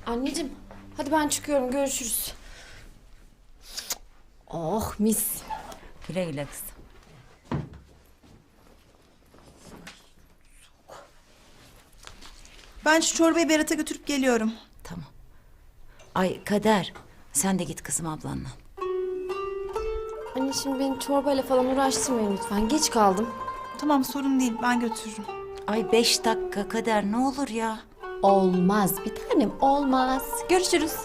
Anneciğim, hadi ben çıkıyorum. Görüşürüz. Oh mis. Güle güle kızım. Ben şu çorbayı Berat'a götürüp geliyorum. Tamam. Ay Kader, sen de git kızım ablanla. Anne şimdi beni çorbayla falan uğraştırmayın lütfen. Geç kaldım. Tamam, sorun değil, ben götürürüm. Ay 5 dakika Kader, ne olur ya. Olmaz bir tanem, olmaz. Görüşürüz.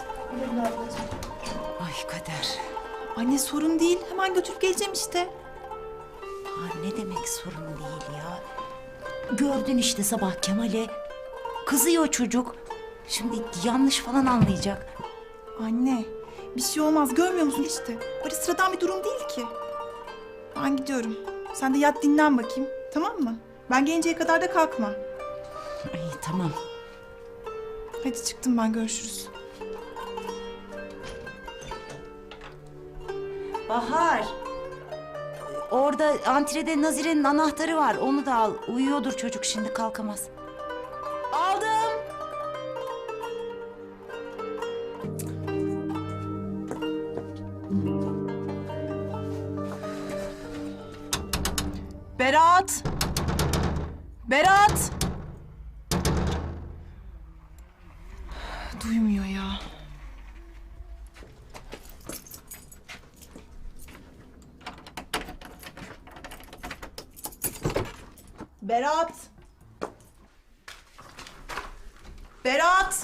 Ay Kader. Anne sorun değil, hemen götürüp geleceğim işte. Aa, ne demek sorun değil ya. Gördün işte sabah Kemal'e. Kızıyor çocuk. Şimdi yanlış falan anlayacak. Anne, bir şey olmaz, görmüyor musun işte? Böyle sıradan bir durum değil ki. Ben gidiyorum. Sen de yat dinlen bakayım, tamam mı? Ben gelinceye kadar da kalkma. Ay tamam. Hadi çıktım ben, görüşürüz. Bahar. Orada antrede Nazire'nin anahtarı var. Onu da al. Uyuyordur çocuk, şimdi kalkamaz. Aldım. Berat! Berat! Duymuyor ya. Berat! Berat!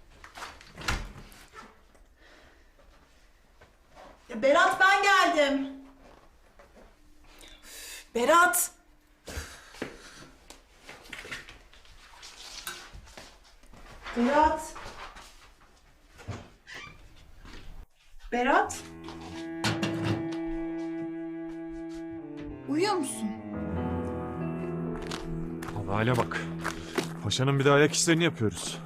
Ya Berat, ben geldim. Berat! Berat! Berat! Uyuyor musun? Abi hale bak. Paşanın bir de ayak işlerini yapıyoruz.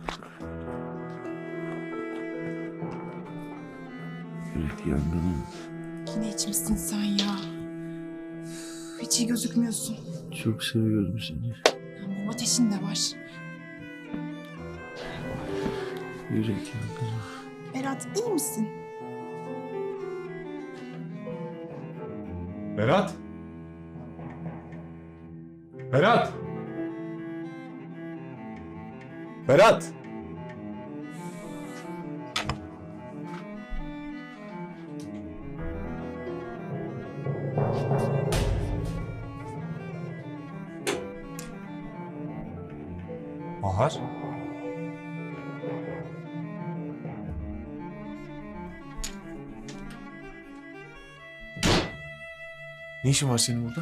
Yürek yangını. Yine içmişsin sen ya. Hiç iyi gözükmüyorsun. Çok seviyorum seni. Ama ateşin de var. Yürek yangını. Berat, iyi misin? Berat! Berat! Berat! Bahar? Ne işin var senin burada?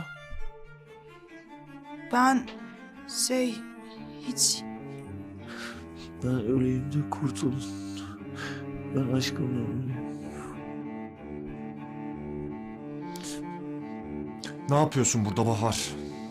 Ben hiç... Ben öleyim de kurtulun. Ben aşkımla öleyim. Ne yapıyorsun burada Bahar?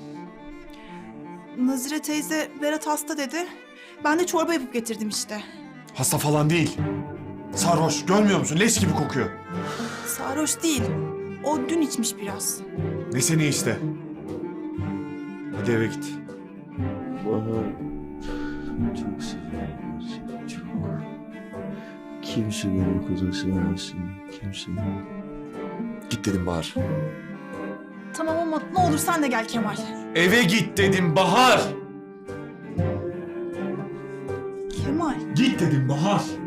Nazire teyze Berat hasta dedi. Ben de çorba yapıp getirdim işte. Hasta falan değil. Sarhoş, görmüyor musun? Leş gibi kokuyor. Sarhoş değil. O dün içmiş biraz. Ne seni iste? Hadi eve git. Bahar. Çok seviyorum seni, çok. Kimse beni o kadar sevmesin. Kimse. Git dedim Bahar. Tamam ama ne olur sen de gel Kemal. Eve git dedim Bahar. Kemal. Git dedim Bahar.